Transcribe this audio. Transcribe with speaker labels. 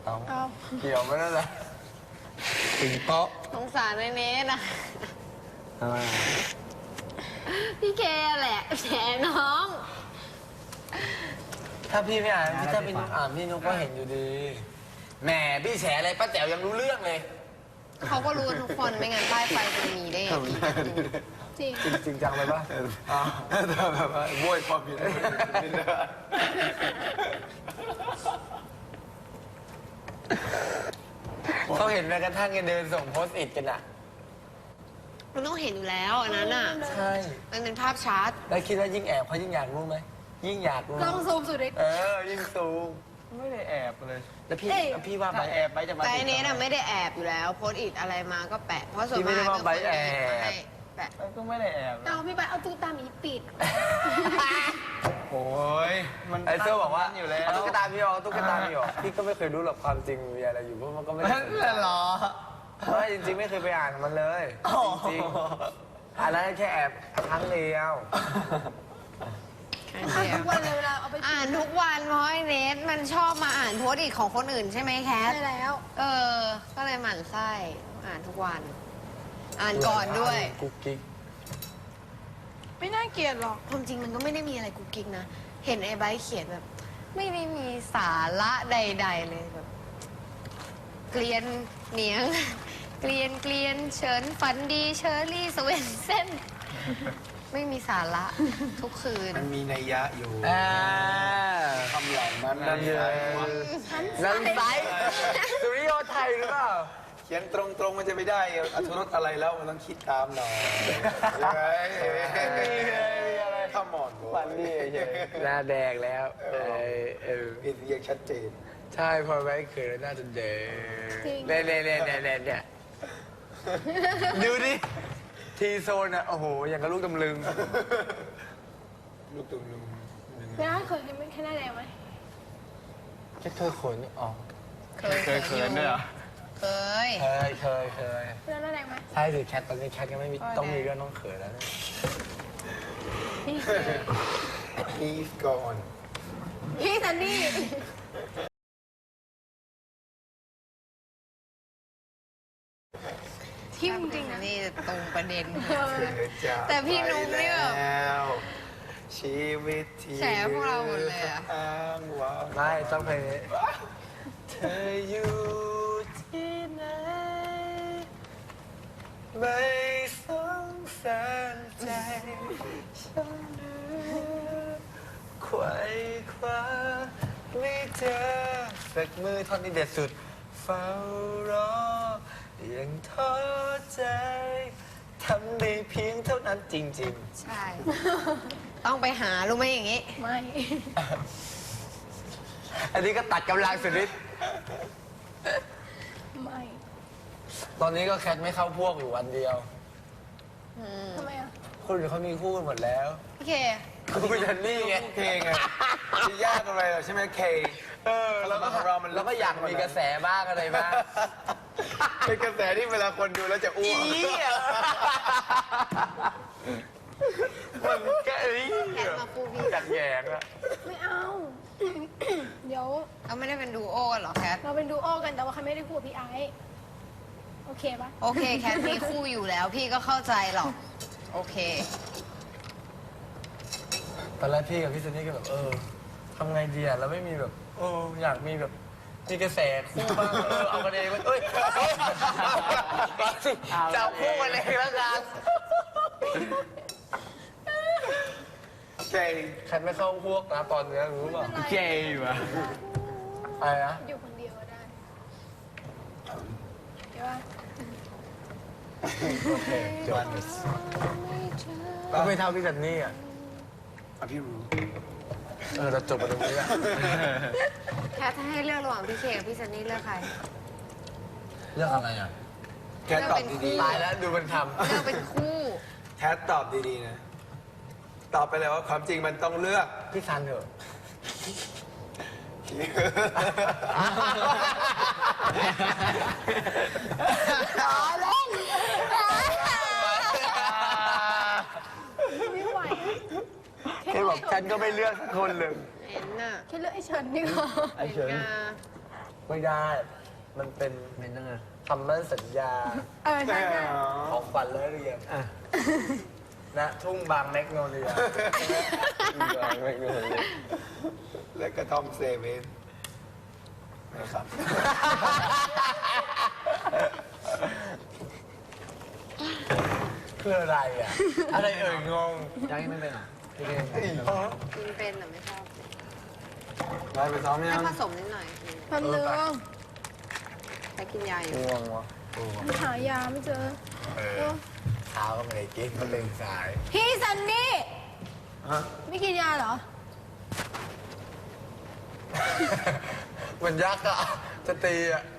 Speaker 1: เอา
Speaker 2: เกี่ยวไม่ได้เลยถึงโต๊ะ
Speaker 3: สงสารในเนสนะ
Speaker 2: ทำไม
Speaker 3: พี่เคแหละแฉน้อง
Speaker 2: ถ้าพี่ไม่อ่านถ้าพี่นุ๊กอ่านพี่นุ๊กก็เห็นอยู่ดีแหมพี่แฉอะไรป้าแจ๋วยังรู้เรื่องเลย
Speaker 3: เขาก็รู้กันทุกคนไม่งั้นป้ายไฟจะมีได้ยังไง
Speaker 1: จริง
Speaker 2: จริงจังเลยป่ะแบบว่าโวยความผิดเขาเห็นแม้กระทั่งกันเดินส่งโพสต์อิทกันอ่ะ
Speaker 3: มันต้องเห็นอยู่แล้วอันนั้นอ่ะ
Speaker 2: ใช่
Speaker 3: มันเป็นภาพชัด
Speaker 2: แล้วคิดว่ายิ่งแอบเขายิ่งอยากรู้ไหมยิ่งอยากรู้
Speaker 1: ต้องซูมสุดเลย
Speaker 2: ยิ่งสูง
Speaker 4: ไม่ได้แอบเลย
Speaker 2: แล้วพี่
Speaker 1: เอ้ย
Speaker 2: พี่ว่า
Speaker 4: ถ้า
Speaker 2: ไบ
Speaker 4: แอบไปจะมา
Speaker 3: แต่อันนี้น่ะไม่ได้แอบอยู่แล้ว โพสต์อิทอะไรมาก็แปะ เพราะส่วน
Speaker 2: พี่ไม่
Speaker 3: มาก
Speaker 2: ได้ว่าไบ
Speaker 3: ก็
Speaker 2: แอบ
Speaker 3: ให้แปะ
Speaker 4: ก็ไม่ได้แอบ
Speaker 1: เอาพี่ไปเอาตุ๊กตาหมีปิด
Speaker 4: โอ้ยมัน
Speaker 2: ไอ้เสื้อบอกว่า
Speaker 4: อยู่แล้ว
Speaker 2: เอาตุ๊กตาพี่ออกเอาตุ๊กตาพี่ออกพี่ก็ไม่เคยรู้หรอกความจริงมีอะไรอยู่เพราะมันก็ไม่ได้
Speaker 4: นั่นแหละเหรอ
Speaker 2: ไม่จริงๆไม่เคยไปอ่านมันเลยจริงๆอันนั้นแค่แอบครั้งเดียว
Speaker 1: อ่านทุกวันเลยเวลาเอาไป
Speaker 3: อ่านทุกวันเพราะไอ้เนสมันชอบมาอ่านโพสต์อิทของคนอื่นใช่ไหมแคท
Speaker 1: ได้แล้ว
Speaker 3: ก็เลยหมั่นไส้อ่านทุกวัน อ่านก่อนด้วย
Speaker 2: กุ๊กกิ๊ก
Speaker 1: ไม่น่าเกลียดหรอก
Speaker 3: ความจริงมันก็ไม่ได้มีอะไรกุ๊กกิ๊กนะ เห็นไอ้ไบร์ทเขียนแบบ ไม่ได้มีสาระใด ๆ เลยแบบ เกลียนเหนียง เกลียนเฉินฝันดีเชอรี่สเวนเซนไม่มีสาระทุกคืน
Speaker 4: มันมีนัยยะอยู่
Speaker 2: คำเหล่านั้นนั่นเลยนั่นไซสุริโยไทยหรือเปล่า
Speaker 4: เขียนตรงๆมันจะไม่ได้อรรถรสอะไรแล้วมันต้องคิดตามหน่อยยังไงข้ามอน
Speaker 2: ฝันดีเฉยหน้าแดงแล้ว
Speaker 4: อินเรียกชัดเจน
Speaker 2: ใช่พอไว้เขินแล้วน่าจะแดงเนี่ยดูดิทีโซนอ่ะโอ้โหอย่างกับลูกตำลึง
Speaker 4: ลูกตุ้มลุง
Speaker 1: ไม่น่าเคยกินไม่แค่หน้าแดงไหม
Speaker 2: แค่เคยขนออก
Speaker 3: เคยด้วยเหรอเคย
Speaker 2: เคย
Speaker 1: ไม่น่าหน้าแดงไหม
Speaker 2: ใช่สิแคทตอนนี้แคทก็ไม่มีต้องมีเรื่องต้องเขินแล้วเนี่ย
Speaker 4: He's gone
Speaker 1: พี่ซันนี่ ทิมจริงนะ
Speaker 3: นี่ตรงประเด็น
Speaker 4: แต่
Speaker 3: พี่นุ๊กนี่แบบ
Speaker 4: ชีวิตที่
Speaker 3: แฉพวกเราหมดเลยอะ
Speaker 4: อ้างว้าง
Speaker 2: ไม่ต้องเพลงนี้เธออยู่ที่ไหนไม่สงสารใจฉันเหลือไขว่คว้าไม่เจอสักมือท่อนนี้เด็ดสุดเฝ้ารอยังท้อใจทำได้เพียงเท่านั้นจริง
Speaker 3: ใช่ ต้องไปหารู้ไหมอย่างนี้
Speaker 1: ไม่
Speaker 2: ๆ อันนี้ก็ตัดกำลังสุดฤทธิ์
Speaker 1: ไม่
Speaker 2: ตอนนี้ก็แคทไม่เข้าพวกอยู่วันเดียว
Speaker 1: ทำไมอ่ะ
Speaker 2: คนอื่นเขามีคู่กันหมดแล้ว
Speaker 3: พี่เค
Speaker 2: คุณจันนี่ไง
Speaker 4: เคไงจะยากอะไรหรอใช่ไหมเค
Speaker 2: แล้วก็เราก็อยากมีกระแสบ้างอะไรบ้าง
Speaker 4: เป็นกระแสที่เวลาคนดูแล้วจะอ้วก
Speaker 2: มันแกเอ้ย
Speaker 3: แคทมาคู่พี่
Speaker 2: อยากแยงอะ
Speaker 1: ไม่เอา เดี๋ยว
Speaker 3: เราไม่ได้เป็นดูโอกันเหรอแคท
Speaker 1: เราเป็นดูโอกันแต่ว่าเขาไม่ได้คู่กับพี่ไอซ์โอเคปะ
Speaker 3: โอเคแคทมีคู่อยู่แล้ว พี่ก็เข้าใจหรอก โอเค
Speaker 2: ตอนแรกพี่กับพี่ซันนี่ก็แบบทำไงดีอะเราไม่มีแบบอยากมีแบบมีกระแสคู่บ้างเอากันเองเอ้ยจับคู่กันเองแล้วกัน
Speaker 4: เค
Speaker 2: แคทไม่เข้าพวกนะตอนนี้รู้เปล่า
Speaker 4: เกย์วะ
Speaker 2: อะไรนะ
Speaker 1: อยู่คนเดียวก็ได้เดี๋ยวว่า
Speaker 2: โอเคจบก็ไม่เท่าพี่ซันนี่อ่ะ
Speaker 4: พี่รู้
Speaker 2: เราจบกันตรงนี้แหละ
Speaker 3: แคทถ้าให้เลือกระหว่างพี่เคกับพี่ซันนี่เลือกใคร
Speaker 2: เรื่องอะไรอ่ะ
Speaker 4: แคทตอบดี
Speaker 2: ตายแล้วดูมันท
Speaker 3: เลือกเป็นคู่
Speaker 4: ๆแคทตอบดีๆนะ ตอบไปเลยว่าความจริงมันต้องเลือก
Speaker 2: ำพี่ซันเถอะ
Speaker 1: ไม่ไหว
Speaker 2: แค่บอกฉันก็ไม่เลือกสักคนเลย
Speaker 3: เห็นน่ะ
Speaker 1: แค่เลือกไอ้เฉินดีกว่า
Speaker 2: ไอ้เฉิน
Speaker 3: เห็นงา
Speaker 2: ไม่ได้ มันเป็น
Speaker 5: เป็นยังไง
Speaker 2: คำมั่นสัญญา
Speaker 1: ใช่ใช่
Speaker 2: ของฝันและเรียนณทุ่งบางแมกโนเลีย
Speaker 4: และกระท่อมเซเว่นไม่ครับ
Speaker 2: คืออะไรอ่ะ อะไรเอ่ยงง
Speaker 5: ยังไม่เป็นอ่ะพี่เก
Speaker 3: กินเป็นแต่ไม่ชอบ
Speaker 4: ได้ไปซ้อมยั
Speaker 3: ให้
Speaker 4: ง
Speaker 3: ผสมนิดหน่อย
Speaker 1: แป๊บนึง
Speaker 3: ไปกินยาอยู่
Speaker 2: ง่วงวะ
Speaker 1: หายาไม่เจอ
Speaker 2: เช้าก็ไม่ได้กินก็ตื่นสาย
Speaker 1: พี่ซันนี่
Speaker 4: ฮะ
Speaker 1: ไม่กินยาเหรอ
Speaker 2: มันยักษ์อะจะตีอะ